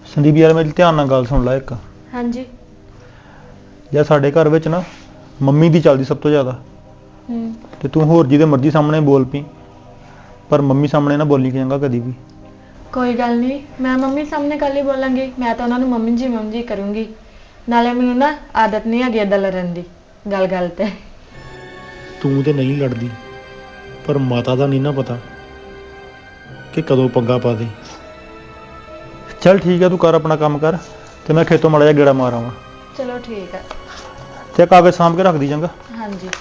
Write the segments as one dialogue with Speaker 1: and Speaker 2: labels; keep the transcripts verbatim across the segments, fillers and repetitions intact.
Speaker 1: संदीप यार मेरी ध्यान नाल गल सुन ला एक।
Speaker 2: हाँ जी।
Speaker 1: यार साडे घर विच ना मम्मी दी चलदी सब तो ज़्यादा। ते तू होर जिहदे मर्जी सामने बोल पी, पर मम्मी सामने ना बोली चंगा कदी भी।
Speaker 2: कोई गल नहीं, मैं मम्मी सामने कल ही बोलांगी। मैं तो उन्होंने मम्मी जी मम्मी जी करूँगी। नाले मैनूं ना आदत नहीं है इदां लड़न दी गल गल ते।
Speaker 1: तू ते नहीं लड़दी, पर माता दा नहीं ना पता कि कदों पंगा पा दे। चल ठीक है, तू कर अपना काम कर ते मैं खेतों माड़ा जिहा गेड़ा मार आवां।
Speaker 2: चलो ठीक है।
Speaker 1: ते कागज सामभ के रख दी चंगा।
Speaker 2: हाँ जी।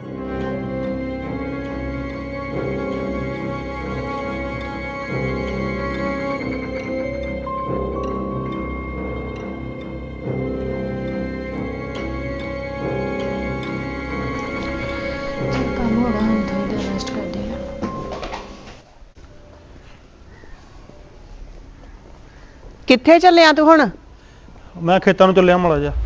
Speaker 2: चल काम हो गया, हम थोड़ी देर रेस्ट करते हैं।
Speaker 3: कित्थे ਚੱਲਿਆ ਤੂੰ ਹੁਣ?
Speaker 1: मैं खेतों ਨੂੰ ਚੱਲਿਆ ਮਾੜਾ ਜਿਹਾ।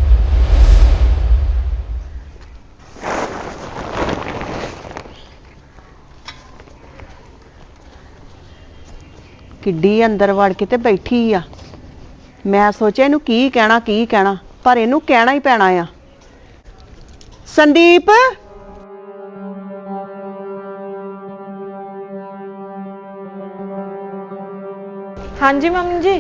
Speaker 3: ਕਿੱਡੀ ਅੰਦਰ ਵੜ ਕੇ ਤੇ ਬੈਠੀ ਆ। ਮੈਂ ਸੋਚਿਆ ਇਹਨੂੰ ਕੀ ਕਹਿਣਾ ਕੀ ਕਹਿਣਾ, ਪਰ ਇਹਨੂੰ ਕਹਿਣਾ ਹੀ ਪੈਣਾ ਆ। ਸੰਦੀਪ,
Speaker 2: हाँ जी मम्मी जी।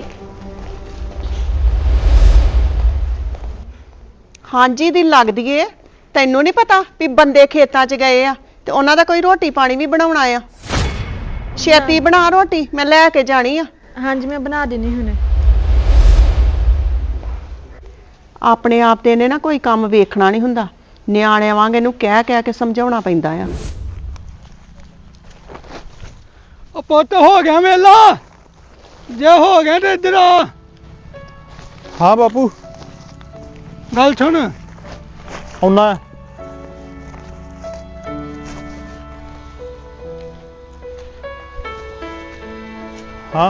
Speaker 3: ਹਾਂਜੀ ਦੀ ਲੱਗਦੀ ਏ। ਤੈਨੂੰ ਨਹੀਂ ਪਤਾ ਵੀ ਬੰਦੇ ਖੇਤਾਂ 'ਚ ਗਏ ਆ ਤੇ ਉਹਨਾਂ ਦਾ ਕੋਈ ਰੋਟੀ ਪਾਣੀ ਵੀ ਬਣਾਉਣਾ ਆ। ਛੇਤੀ ਬਣਾ ਰੋਟੀ, ਮੈਂ ਲੈ ਕੇ ਜਾਣੀ ਆ।
Speaker 2: हाँ जी मैं बना देनी हुणे।
Speaker 3: ਆਪਣੇ ਆਪ ਤੇ ਇਹਨੇ ਨਾ ਕੋਈ ਕੰਮ ਵੇਖਣਾ ਨਹੀਂ ਹੁੰਦਾ। ਨਿਆਣਿਆਂ ਵਾਂਗ ਇਹਨੂੰ ਕਹਿ ਕਹਿ ਕੇ ਸਮਝਾਉਣਾ ਪੈਂਦਾ ਆ।
Speaker 4: ਉਹ ਪੁੱਤ ਹੋ ਗਿਆ ਵੇਲਾ, ਜੇ ਹੋ ਗਿਆ ਤੇ ਇੱਧਰ ਆ।
Speaker 1: हाँ बापू
Speaker 4: ਗੱਲ ਸੁਣ,
Speaker 1: आउना है। हाँ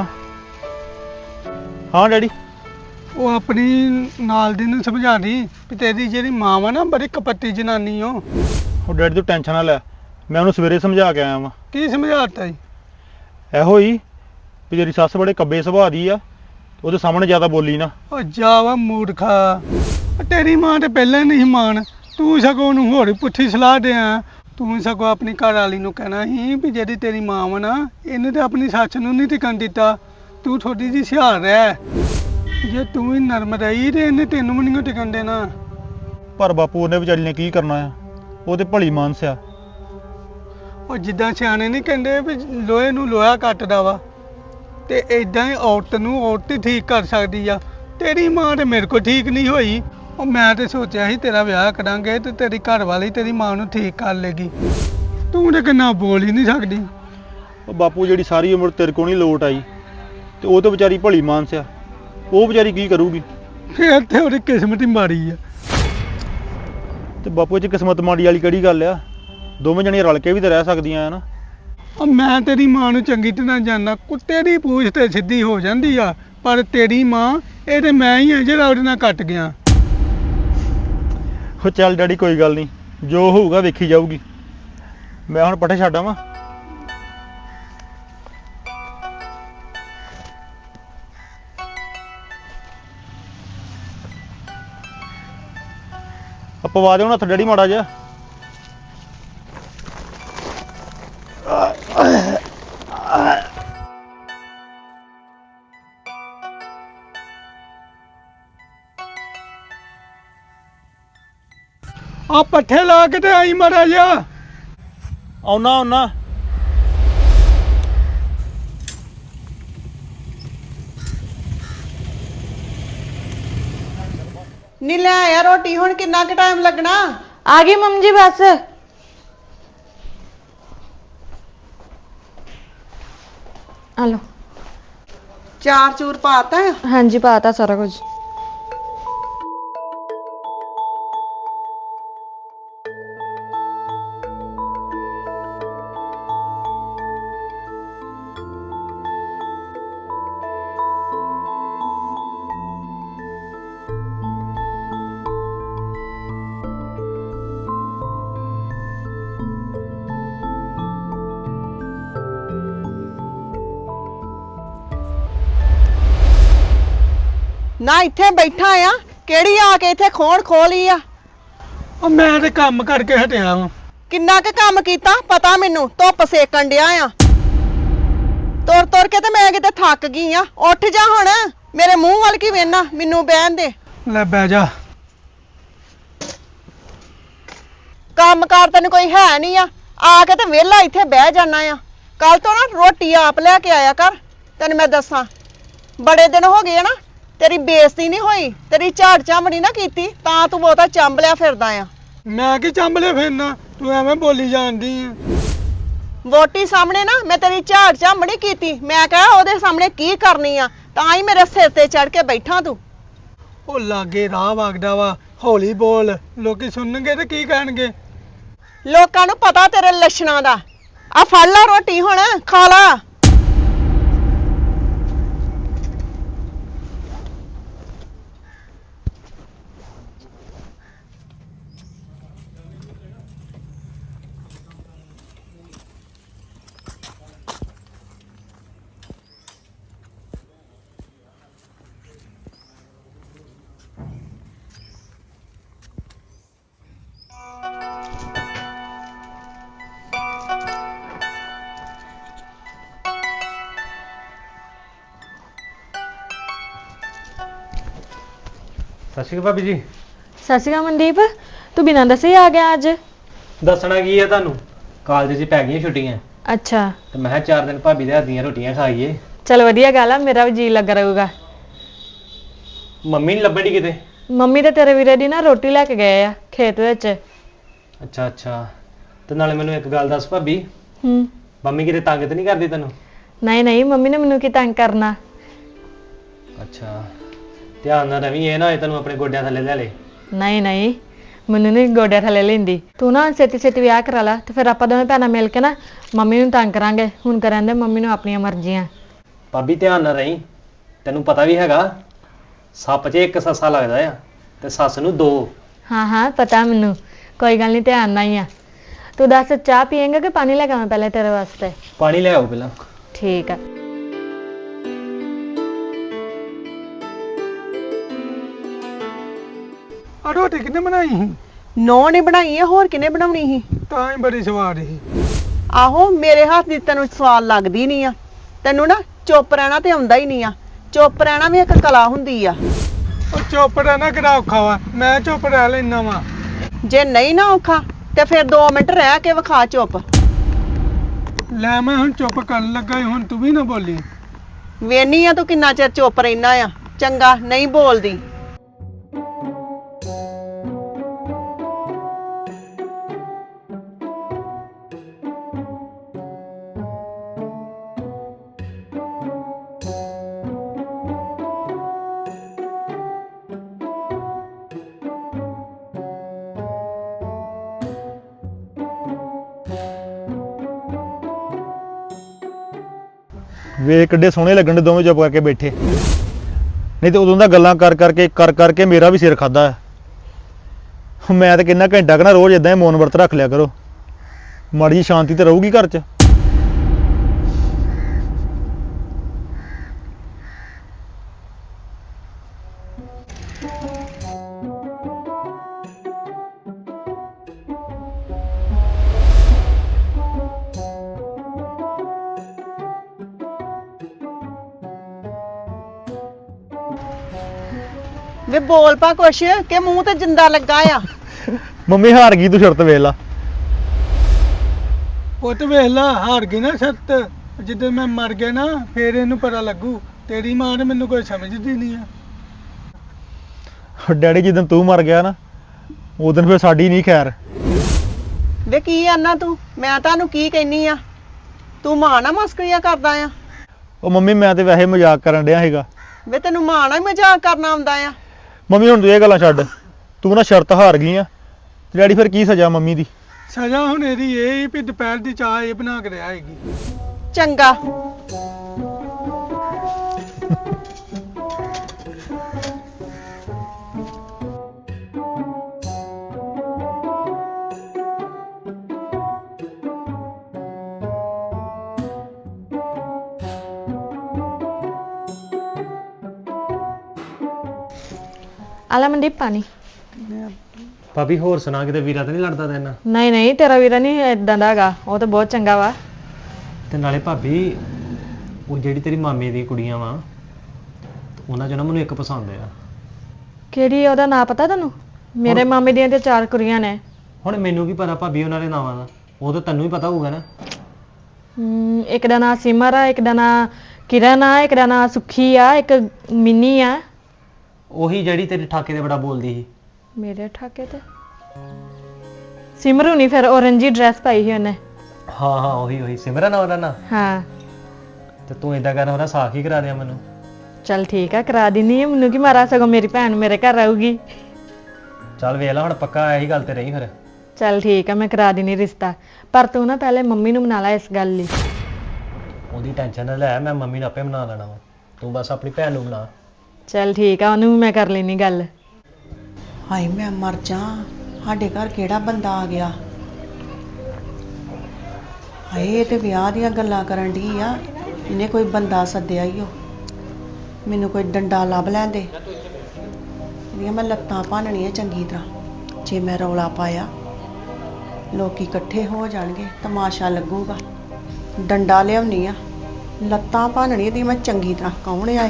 Speaker 1: हाँ डैडी।
Speaker 4: ਉਹ ਆਪਣੀ ਨਾਲ ਦੀ ਨੂੰ ਸਮਝਾ ਦੀ ਵੀ ਤੇਰੀ ਜਿਹੜੀ ਮਾਂ ਵਾ ਨਾ ਬੜੀ ਕਪੱਤੀ ਜਨਾਨੀ ਓ।
Speaker 1: ਉਹ ਡੈਡੀ ਤੂੰ ਟੈਨਸ਼ਨ ਨਾ ਲੈ, ਮੈਂ ਉਹਨੂੰ ਸਵੇਰੇ ਸਮਝਾ ਕੇ ਆਇਆ ਵਾਂ।
Speaker 4: ਕੀ ਸਮਝਾਤਾ ਜੀ?
Speaker 1: ਇਹੋ ਹੀ ਵੀ ਤੇਰੀ ਸੱਸ ਬੜੇ ਕੱਬੇ ਸੁਭਾਅ ਦੀ ਆ, ਉਹਦੇ ਸਾਹਮਣੇ ਜ਼ਿਆਦਾ ਬੋਲੀ ਨਾ।
Speaker 4: ਉਹ ਜਾਵਾ ਮੂਰਖਾ, ਉਹ ਤੇਰੀ ਮਾਂ ਤੇ ਪਹਿਲਾਂ ਨਹੀਂ ਮਾਨ, ਤੂੰ ਸਗੋਂ ਉਹਨੂੰ ਹੋਰ ਹੀ ਪੁੱਠੀ ਸਲਾਹ ਦਿਆਂ। ਤੂੰ ਸਗੋਂ ਆਪਣੀ ਘਰ ਵਾਲੀ ਨੂੰ ਕਹਿਣਾ ਸੀ ਵੀ ਜਿਹੜੀ ਤੇਰੀ ਮਾਂ ਵਾ ਨਾ, ਇਹਨੇ ਤੇ ਆਪਣੀ ਸੱਸ ਨੂੰ ਨਹੀਂ ਟਿਕਣ ਦਿੱਤਾ। ਤੂੰ ਥੋੜੀ ਜਿਹੀ ਸਿਆਰ ਰਹਿ, ਜੇ ਤੂੰ ਹੀ ਨਰਮ ਰਹੀ ਤੇ ਇਹਨੇ ਤੈਨੂੰ ਵੀ ਨਹੀਂ ਟਿਕਣ ਦੇਣਾ।
Speaker 1: ਪਰ ਬਾਪੂ ਉਹਨੇ ਵਿਚਾਰੀ ਨੇ ਕੀ ਕਰਨਾ ਆ, ਉਹ ਤੇ ਭਲੀ ਮਾਨਸ ਆ।
Speaker 4: ਉਹ ਜਿੱਦਾਂ ਸਿਆਣੇ ਨਹੀਂ ਕਹਿੰਦੇ ਵੀ ਲੋਹੇ ਨੂੰ ਲੋਹਾ ਕੱਟਦਾ ਵਾ, ਤੇ ਇਦਾਂ ਹੀ ਔਰਤ ਨੂੰ ਔਰਤ ਹੀ ਠੀਕ ਕਰ ਸਕਦੀ ਆ। ਤੇਰੀ ਮਾਂ ਤੇ ਮੇਰੇ ਕੋਲ ਠੀਕ ਨਹੀਂ ਹੋਈ। ਉਹ ਮੈਂ ਤੇ ਸੋਚਿਆ ਸੀ ਤੇਰਾ ਵਿਆਹ ਕਰਾਂਗੇ ਤੇ ਤੇਰੀ ਘਰ ਵਾਲੀ ਤੇਰੀ ਮਾਂ ਨੂੰ ਠੀਕ ਕਰ ਲੇਗੀ। ਤੂੰ ਤੇ ਕਿੰਨਾ ਬੋਲ ਹੀ ਨਹੀਂ ਸਕਦੀ।
Speaker 1: ਉਹ ਬਾਪੂ ਜਿਹੜੀ ਸਾਰੀ ਉਮਰ ਤੇਰੇ ਕੋਲ ਨਹੀਂ ਲੋਟ ਆਈ, ਤੇ ਉਹ ਤੇ ਵਿਚਾਰੀ ਭਲੀ ਮਾਨਸ ਆ, ਉਹ ਵਿਚਾਰੀ ਕੀ ਕਰੂਗੀ?
Speaker 4: ਫਿਰ ਤੇ ਉਹਦੀ ਕਿਸਮਤ ਹੀ ਮਾੜੀ ਆ।
Speaker 1: ਤੇ ਬਾਪੂ ਇਹ 'ਚ ਕਿਸਮਤ ਮਾੜੀ ਵਾਲੀ ਕਿਹੜੀ ਗੱਲ ਆ? ਦੋਵੇਂ ਜਣੀਆਂ ਰਲ ਕੇ ਵੀ ਤਾਂ ਰਹਿ ਸਕਦੀਆਂ ਆ ਨਾ।
Speaker 4: ਉਹ ਮੈਂ ਤੇਰੀ ਮਾਂ ਨੂੰ ਚੰਗੀ ਤਰ੍ਹਾਂ ਜਾਣਦਾ, ਕੁੱਤੇ ਦੀ ਪੂਛ ਤੇ ਸਿੱਧੀ ਹੋ ਜਾਂਦੀ ਆ, ਪਰ ਤੇਰੀ ਮਾਂ ਇਹ ਤੇ ਮੈਂ ਹੀ ਆ ਜਿਹੜਾ ਉਹਦੇ ਨਾਲ ਕੱਟ ਗਿਆ।
Speaker 1: ਉਹ ਚੱਲ ਡੈਡੀ ਕੋਈ ਗੱਲ ਨਹੀਂ, ਜੋ ਹੋਊਗਾ ਵੇਖੀ ਜਾਊਗੀ। ਮੈਂ ਹੁਣ ਪੱਠੇ ਛੱਡ ਆਵਾਂ। ਆ ਪਵਾ ਦਿਓ ਨਾ ਹੱਥ ਡੈਡੀ ਮਾੜਾ ਜਿਹਾ।
Speaker 4: ਆ ਪੱਠੇ ਲਾ ਕੇ ਤੇ ਆਈ ਮਾੜਾ ਜਿਹਾ।
Speaker 1: ਆਉਣਾ ਆਉਣਾ।
Speaker 3: ਨੀ ਲੈ ਆਇਆ ਰੋਟੀ, ਹੁਣ ਕਿੰਨਾ ਕੁ ਟਾਈਮ ਲੱਗਣਾ?
Speaker 2: आ गई मम्मी जी बस। हेलो।
Speaker 3: ਚਾਰ ਚੂਰ ਪਾਤਾ ਆ?
Speaker 2: हाँ जी पाता सारा कुछ।
Speaker 3: ਨਾ ਇੱਥੇ ਬੈਠਾ ਆ, ਕਿਹੜੀ ਆ ਕੇ ਇੱਥੇ ਖੋਣ ਖੋਲੀ ਆ?
Speaker 4: ਉਹ ਮੈਂ ਤੇ ਕੰਮ ਕਰਕੇ ਹਟਿਆ ਵਾਂ।
Speaker 3: ਕਿੰਨਾ ਕੁ ਕੰਮ ਕੀਤਾ ਪਤਾ ਮੈਨੂੰ, ਧੁੱਪ ਸੇਕਣ ਡਿਆ ਆ। ਤੁਰ ਤੁਰ ਕੇ ਤੇ ਮੈਂ ਕਿਤੇ ਥੱਕ ਗਈ ਆ। ਉੱਠ ਜਾ ਹੁਣ, ਮੇਰੇ ਮੂੰਹ ਵੱਲ ਕੀ ਵੇਖਣਾ, ਮੈਨੂੰ ਬਹਿਣ ਦੇ।
Speaker 4: ਲੈ ਬਹਿ ਜਾ।
Speaker 3: ਕੰਮ ਕਾਰ ਤੈਨੂੰ ਕੋਈ ਹੈ ਨਹੀਂ ਆ, ਆ ਕੇ ਤੇ ਵਿਹਲਾ ਇੱਥੇ ਬਹਿ ਜਾਣਾ ਆ। ਕੱਲ ਤੋਂ ਨਾ ਰੋਟੀ ਆਪ ਲੈ ਕੇ ਆਇਆ ਕਰ। ਤੈਨੂੰ ਮੈਂ ਦੱਸਾਂ, ਬੜੇ ਦਿਨ ਹੋ ਗਏ ਆ ਨਾ, ਤੇਰੀ ਬੇਇੱਜ਼ਤੀ ਨਹੀਂ ਹੋਈ, ਤੇਰੀ ਝਾੜ ਝਾਮੜੀ ਨਾ ਕੀਤੀ, ਤਾਂ ਤੂੰ ਬਹੁਤਾ ਚੰਬਲਿਆ ਫਿਰਦਾ ਆ।
Speaker 4: ਮੈਂ ਕੀ ਚੰਬਲੇ ਫਿਰਨਾ, ਤੂੰ ਐਵੇਂ ਬੋਲੀ ਜਾਂਦੀ ਆ।
Speaker 3: ਵੋਟੀ ਸਾਹਮਣੇ ਨਾ ਮੈਂ ਤੇਰੀ ਝਾੜ ਝਾਮੜੀ ਕੀਤੀ, ਮੈਂ ਕਿਹਾ ਉਹਦੇ ਸਾਹਮਣੇ ਕੀ ਕਰਨੀ ਆ, ਤਾਂ ਹੀ ਮੇਰੇ ਸਿਰ ਤੇ ਚੜ ਕੇ ਬੈਠਾ ਤੂੰ।
Speaker 4: ਉਹ ਲਾਗੇ ਰਾਹ ਵਗਦਾ ਵਾ, ਹੌਲੀ ਬੋਲ, ਲੋਕੀ ਸੁਣਨਗੇ ਤੇ ਕੀ ਕਹਿਣਗੇ?
Speaker 3: ਲੋਕਾਂ ਨੂੰ ਪਤਾ ਤੇਰੇ ਲੱਛਣਾਂ ਦਾ। ਆ ਫੜ ਲਾ ਰੋਟੀ, ਹੁਣ ਖਾ ਲਾ।
Speaker 5: ਸਤਿ ਸ਼੍ਰੀ ਅਕਾਲ ਭਾਬੀ ਜੀ।
Speaker 2: ਸਤਿ ਸ਼੍ਰੀ ਅਕਾਲ ਮਨਦੀਪ, ਤੂੰ ਬਿਨਾਂ ਦੱਸੇ ਹੀ ਆ ਗਿਆ ਅੱਜ?
Speaker 5: ਦੱਸਣਾ ਕੀ ਹੈ ਤੁਹਾਨੂੰ, ਕਾਲਜ 'ਚ ਪੈ ਗਈਆਂ ਛੁੱਟੀਆਂ
Speaker 2: ਅੱਛਾ,
Speaker 5: ਤੇ ਮੈਂ ਕਿਹਾ ਚਾਰ ਦਿਨ ਭਾਬੀ ਦੇ ਹੱਥ ਦੀਆਂ ਰੋਟੀਆਂ ਖਾਈਏ।
Speaker 2: ਚਲ ਵਧੀਆ ਗੱਲ ਆ, ਮੇਰਾ ਵੀ ਜੀ ਲੱਗਾ ਰਹੂਗਾ।
Speaker 5: ਮੰਮੀ ਨਹੀਂ ਲੱਭਣੀ ਕਿਤੇ?
Speaker 2: ਮੰਮੀ ਤੇ ਤੇਰੇ ਵੀਰੇ ਦੀ ਨਾ ਰੋਟੀ ਲੈ ਕੇ ਗਏ ਆ ਖੇਤ ਵਿੱਚ।
Speaker 5: ਅੱਛਾ ਅੱਛਾ, ਤੇ ਨਾਲੇ ਮੈਨੂੰ ਇੱਕ ਗੱਲ ਦੱਸ ਭਾਬੀ,
Speaker 2: ਹੂੰ।
Speaker 5: ਮੰਮੀ ਕਿਤੇ ਤੰਗ ਤੇ ਨਹੀਂ ਕਰਦੀ ਤੈਨੂੰ?
Speaker 2: ਨਹੀਂ ਨਹੀਂ, ਮੰਮੀ ਨੇ ਮੈਨੂੰ ਕੀ ਤੰਗ ਕਰਨਾ।
Speaker 5: ਅੱਛਾ, ਧਿਆਨ ਨਾਲ ਰਵੀ, ਇਹ ਨਾ ਹੋਏ ਤੈਨੂੰ ਆਪਣੇ ਗੋਡਿਆਂ ਥੱਲੇ ਲੈ ਲੇ।
Speaker 2: ਨਹੀਂ ਨਹੀਂ, ਮੈਨੂੰ ਨਹੀਂ ਗੋਡਿਆਂ ਥੱਲੇ ਲੈਂਦੀ। ਤੂੰ ਨਾ ਛੇਤੀ ਛੇਤੀ ਵਿਆਹ ਕਰਾ ਲਾ, ਤੇ ਫਿਰ ਆਪਾਂ ਦੋਵੇਂ ਭੈਣਾਂ ਮਿਲ ਕੇ ਨਾ ਮੰਮੀ ਨੂੰ ਤੰਗ ਕਰਾਂਗੇ। ਹੁਣ ਕਰਨ ਦੇ ਮੰਮੀ ਨੂੰ ਆਪਣੀਆਂ ਮਰਜ਼ੀਆਂ।
Speaker 5: ਭਾਬੀ ਧਿਆਨ ਨਾਲ ਰਹੀਂ, ਤੈਨੂੰ ਪਤਾ ਵੀ ਹੈਗਾ ਸੱਪ 'ਚ ਇੱਕ ਸੱਸਾ ਲੱਗਦਾ ਆ ਤੇ ਸੱਸ ਨੂੰ ਦੋ।
Speaker 2: ਹਾਂ ਹਾਂ ਪਤਾ ਮੈਨੂੰ, ਕੋਈ ਗੱਲ ਨਹੀਂ, ਧਿਆਨ ਨਾਲ ਹੀ ਆ। ਤੂੰ ਦੱਸ, ਚਾਹ ਪੀਏਂਗਾ ਕਿ ਪਾਣੀ ਲੈ ਕੇ ਆਵਾਂ ਪਹਿਲੇ ਤੇਰੇ ਵਾਸਤੇ?
Speaker 5: ਪਾਣੀ ਲੈ ਆਓ ਪਹਿਲਾਂ।
Speaker 2: ਠੀਕ ਆ।
Speaker 4: ਆ ਰੋਟੀ ਕਿਹਨੇ ਬਣਾਈ ਸੀ?
Speaker 3: ਨੌ ਨੇ ਬਣਾਈ ਆ, ਹੋਰ ਕਿਨੇ ਬਣਾਉਣੀ ਸੀ?
Speaker 4: ਤਾਂ ਹੀ ਬੜੀ ਸਵਾਦ ਸੀ।
Speaker 3: ਆਹੋ, ਮੇਰੇ ਹੱਥ ਦੀ ਤੈਨੂੰ ਸਵਾਦ ਲੱਗਦੀ ਨਹੀਂ ਆ। ਤੈਨੂੰ ਨਾ ਚੁੱਪ ਰਹਿਣਾ ਤੇ ਆਉਂਦਾ ਹੀ ਨਹੀਂ ਆ। ਚੁੱਪ ਰਹਿਣਾ ਵੀ ਇੱਕ ਕਲਾ ਹੁੰਦੀ ਆ।
Speaker 4: ਉਹ ਚੁੱਪ ਰਹਿਣਾ ਕਿਹੜਾ ਔਖਾ ਵਾ, ਮੈਂ ਚੁੱਪ ਰਹਿ ਲੈਣਾ ਵਾ।
Speaker 3: ਜੇ ਨਹੀਂ ਨਾ ਔਖਾ ਤੇ ਫਿਰ ਦੋ ਮਿੰਟ ਰਹਿ ਕੇ ਵਿਖਾ ਚੁੱਪ।
Speaker 4: ਲੈ ਮੈਂ ਹੁਣ ਚੁੱਪ ਕਰਨ ਲੱਗਾ ਈ, ਹੁਣ ਤੂੰ ਵੀ ਨਾ ਬੋਲੀ।
Speaker 3: ਵੇਨੀ ਆ ਤੂੰ ਕਿੰਨਾ ਚਿਰ ਚੁੱਪ ਰਹਿਣਾ ਆ। ਚੰਗਾ, ਨਹੀਂ ਬੋਲਦੀ।
Speaker 1: ਵੇਖ ਕਿੱਡੇ ਸੋਹਣੇ ਲੱਗਣ ਦੇ ਦੋਵੇਂ ਚੁੱਪ ਕਰਕੇ ਬੈਠੇ। ਨਹੀਂ ਤੇ ਉਦੋਂ ਦਾ ਗੱਲਾਂ ਕਰ ਕਰਕੇ ਕਰ ਕਰਕੇ ਮੇਰਾ ਵੀ ਸਿਰ ਖਾਦਾ ਹੈ। ਮੈਂ ਤਾਂ ਕਿੰਨਾ ਘੰਟਾ ਕਹਣਾ ਰੋਜ਼ ਇਦਾਂ ਹੀ ਮੌਨ ਵਰਤ ਰੱਖ ਲਿਆ ਕਰੋ, ਮਾੜੀ ਜਿਹੀ ਸ਼ਾਂਤੀ ਤੇ ਰਹੂਗੀ ਘਰ 'ਚ।
Speaker 3: ਵੇ ਬੋਲ ਪਾ ਕੁਛ, ਕਿ ਮੂੰਹ ਤੇ ਜਿੰਦਾ ਲੱਗਾ ਆ।
Speaker 1: ਮੰਮੀ ਹਾਰ ਗਈ, ਤੂੰ ਸ਼ਰਤ ਵੇਖ ਲਾ।
Speaker 4: ਉਹ ਤੇ ਵੇਖ ਲਾ, ਹਾਰ ਗਈ ਨਾ ਸ਼ਰਤ। ਜਦੋਂ ਮੈਂ ਮਰ ਗਿਆ ਨਾ ਫੇਰ ਇਹਨੂੰ ਪਤਾ ਲੱਗੂ। ਤੇਰੀ ਮਾਂ ਨੇ ਮੈਨੂੰ ਕੋਈ ਸਮਝਦੀ ਨਹੀਂ ਆ।
Speaker 1: ਡੈਡੀ ਜਿੱਦਣ ਤੂੰ ਮਰ ਗਿਆ ਨਾ, ਉਦੋਂ ਫਿਰ ਸਾਡੀ ਨਹੀਂ ਖੈਰ।
Speaker 3: ਵੇ ਕੀ ਆਨਾ ਤੂੰ? ਮੈਂ ਤੁਹਾਨੂੰ ਕੀ ਕਹਿਨੀ ਆ? ਤੂੰ ਮਾਂ ਨਾਲ ਮਸਕਰੀਆਂ ਕਰਦਾ ਆ?
Speaker 1: ਉਹ ਮੰਮੀ ਮੈਂ ਤੇ ਵੈਸੇ ਮਜ਼ਾਕ ਕਰਨ ਡਿਆ ਸੀਗਾ।
Speaker 3: ਵੇ ਤੈਨੂੰ ਮਾਂ ਨਾਲ ਹੀ ਮਜ਼ਾਕ ਕਰਨਾ ਆਉਂਦਾ ਆ?
Speaker 1: ਮੰਮੀ ਹੁਣ ਤੂੰ ਇਹ ਗੱਲਾਂ ਛੱਡ, ਤੂੰ ਨਾ ਸ਼ਰਤ ਹਾਰ ਗਈ ਆ। ਡੈਡੀ ਫਿਰ ਕੀ ਸਜ਼ਾ ਮੰਮੀ ਦੀ?
Speaker 4: ਸਜ਼ਾ ਹੁਣ ਇਹਦੀ ਇਹ ਹੀ ਵੀ ਦੁਪਹਿਰ ਦੀ ਚਾਹ ਇਹ ਬਣਾ ਕੇ ਰਿਹਾ ਹੈਗੀ।
Speaker 3: ਚੰਗਾ।
Speaker 2: ਆਲਾ ਮਨਦੀਪ ਪਾਣੀ।
Speaker 5: ਭਾਬੀ ਹੋਰ ਸੁਣਾ, ਕਿਤੇ ਵੀਰਾ ਤਾਂ ਨਹੀਂ ਲੜਦਾ ਤੇਰੇ ਨਾਲ?
Speaker 2: ਨਹੀਂ ਨਹੀਂ, ਤੇਰਾ ਵੀਰਾ ਨਹੀਂ ਇਦਾਂ ਦਾ ਹੈਗਾ, ਉਹ ਤਾਂ ਬਹੁਤ ਚੰਗਾ ਵਾ।
Speaker 5: ਤੇ ਨਾਲੇ ਭਾਬੀ ਉਹ ਜਿਹੜੀ ਤੇਰੀ ਮਾਮੀ ਦੀ ਕੁੜੀਆਂ ਵਾ, ਉਹਨਾਂ ਚੋਂ ਨਾ ਮੈਨੂੰ ਇੱਕ ਪਸੰਦ ਆ।
Speaker 2: ਕਿਹੜੀ, ਉਹਦਾ ਨਾਂ ਪਤਾ ਤੁਹਾਨੂੰ? ਮੇਰੇ ਮਾਮੇ ਦੀਆਂ ਤੇ ਚਾਰ ਕੁੜੀਆਂ ਨੇ।
Speaker 5: ਹੁਣ ਮੈਨੂੰ ਕੀ ਪਤਾ ਭਾਬੀ ਉਹਨਾਂ ਦੇ ਨਾਵਾਂ ਦਾ, ਉਹ ਤਾਂ ਤੈਨੂੰ ਹੀ ਪਤਾ ਹੋਊਗਾ ਨਾ।
Speaker 2: ਹਮ, ਇੱਕ ਦਾ ਨਾਂ ਸਿਮਰ ਆ, ਇੱਕ ਦਾ ਨਾਂ ਕਿਰਨ ਆ, ਇੱਕ ਦਾ ਨਾਂ ਸੁੱਖੀ ਆ, ਇੱਕ ਮਿੰਨੀ ਆ।
Speaker 5: ਉਹੀ ਜਿਹੜੀ ਤੇਰੇ ਠਾਕੇ ਤੇ ਬੜਾ ਬੋਲਦੀ ਸੀ।
Speaker 2: ਮੇਰੇ ਠਾਕੇ ਤੇ ਸਿਮਰੂ ਨਹੀਂ, ਫਿਰ ਔਰੰਜੀ ਡਰੈਸ ਪਾਈ ਸੀ ਉਹਨੇ।
Speaker 5: ਹਾਂ ਹਾਂ ਉਹੀ ਉਹੀ ਸਿਮਰਨ ਆ ਉਹਦਾ ਨਾਂ।
Speaker 2: ਹਾਂ
Speaker 5: ਤੇ ਤੂੰ ਏਦਾਂ ਕਰ, ਉਹਦਾ ਸਾਖ ਹੀ ਕਰਾ ਦਿਆ ਮੈਨੂੰ।
Speaker 2: ਚੱਲ ਠੀਕ ਆ, ਕਰਾ ਦਿੰਨੀ ਆ। ਮੈਨੂੰ ਕੀ ਮਾਰਾ, ਸਗੋਂ ਮੇਰੀ ਭੈਣ ਮੇਰੇ ਘਰ ਆਊਗੀ।
Speaker 5: ਚੱਲ ਵੇਖ ਲੈ ਹੁਣ, ਪੱਕਾ ਇਹੀ ਗੱਲ ਤੇ ਰਹੀ ਫਿਰ।
Speaker 2: ਚੱਲ ਠੀਕ ਆ, ਮੈਂ ਕਰਾ ਦਿੰਨੀ ਰਿਸ਼ਤਾ, ਪਰ ਤੂੰ ਨਾ ਪਹਿਲੇ ਮੰਮੀ ਨੂੰ ਮਨਾ ਲੈ ਇਸ ਗੱਲ ਲਈ।
Speaker 5: ਉਹਦੀ ਟੈਨਸ਼ਨ ਨਾ ਲੈ, ਮੈਂ ਮੰਮੀ ਨੂੰ ਆਪੇ ਮਨਾ ਲੈਣਾ ਵਾ, ਤੂੰ ਬਸ ਆਪਣੀ ਭੈਣ ਨੂੰ ਮਨਾ।
Speaker 2: ਚੱਲ ਠੀਕ ਆ, ਉਹਨੂੰ ਵੀ ਮੈਂ ਕਰ ਲੈਣੀ ਗੱਲ।
Speaker 3: ਹਾਏ ਮੈਂ ਮਰ ਜਾ, ਸਾਡੇ ਘਰ ਕਿਹੜਾ ਬੰਦਾ ਆ ਗਿਆ। ਹਾਏ ਇਹ ਤੇ ਵਿਆਹ ਦੀਆਂ ਗੱਲਾਂ ਕਰਨ ਢੀ ਆ, ਇਹਨੇ ਕੋਈ ਬੰਦਾ ਸੱਦਿਆ ਹੀ ਉਹ। ਮੈਨੂੰ ਕੋਈ ਡੰਡਾ ਲੱਭ ਲੈਂਦੇ, ਇਹਦੀਆਂ ਮੈਂ ਲੱਤਾਂ ਭੰਨਣੀਆਂ ਚੰਗੀ ਤਰ੍ਹਾਂ। ਜੇ ਮੈਂ ਰੌਲਾ ਪਾਇਆ ਲੋਕੀ ਇਕੱਠੇ ਹੋ ਜਾਣਗੇ, ਤਮਾਸ਼ਾ ਲੱਗੂਗਾ। ਡੰਡਾ ਲਿਆਉਣੀ ਆ, ਲੱਤਾਂ ਭੰਨਣੀ ਦੀ ਮੈਂ ਚੰਗੀ ਤਰ੍ਹਾਂ। ਕੌਣ ਆਏ?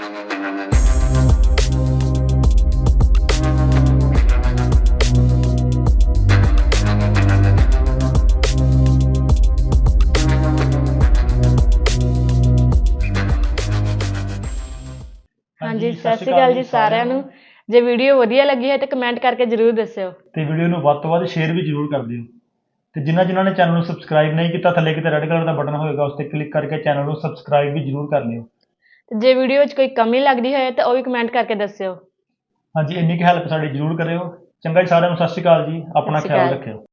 Speaker 2: ਹਾਂਜੀ, ਸਤਿ ਸ਼੍ਰੀ ਅਕਾਲ ਜੀ ਸਾਰਿਆਂ ਨੂੰ। ਜੇ ਵੀਡੀਓ ਵਧੀਆ ਲੱਗੀ ਹੈ ਤਾਂ ਕਮੈਂਟ ਕਰਕੇ ਜ਼ਰੂਰ ਦੱਸਿਓ
Speaker 1: ਤੇ ਵੀਡੀਓ ਨੂੰ ਵੱਧ ਤੋਂ ਵੱਧ ਸ਼ੇਅਰ ਵੀ ਜ਼ਰੂਰ ਕਰ ਦਿਓ। ਤੇ ਜਿਨ੍ਹਾਂ ਜਿਨ੍ਹਾਂ ਨੇ ਚੈਨਲ ਨੂੰ ਸਬਸਕ੍ਰਾਈਬ ਨਹੀਂ ਕੀਤਾ, ਥੱਲੇ ਕਿਤੇ ਰੈੱਡ ਕਲਰ ਦਾ ਬਟਨ ਹੋਏਗਾ, ਉਸ ਤੇ ਕਲਿੱਕ ਕਰਕੇ ਚੈਨਲ ਨੂੰ ਸਬਸਕ੍ਰਾਈਬ ਵੀ ਜ਼ਰੂਰ ਕਰ ਲਿਓ।
Speaker 2: ਤੇ ਜੇ ਵੀਡੀਓ ਵਿੱਚ ਕੋਈ ਕਮੀ ਲੱਗਦੀ ਹੋਏ ਤਾਂ ਉਹ ਵੀ ਕਮੈਂਟ ਕਰਕੇ ਦੱਸਿਓ।
Speaker 1: ਹਾਂਜੀ, ਇੰਨੀ ਕੁ ਹੈਲਪ ਸਾਡੀ ਜ਼ਰੂਰ ਕਰਿਓ। ਚੰਗਾ ਜੀ, ਸਾਰਿਆਂ ਨੂੰ ਸਤਿ ਸ਼੍ਰੀ ਅਕਾਲ ਜੀ, ਆਪਣਾ
Speaker 2: ਸਤਿ ਸ਼੍ਰੀ
Speaker 1: ਖਿਆਲ
Speaker 2: ਅਕਾਲ।
Speaker 1: ਰੱਖਿਓ।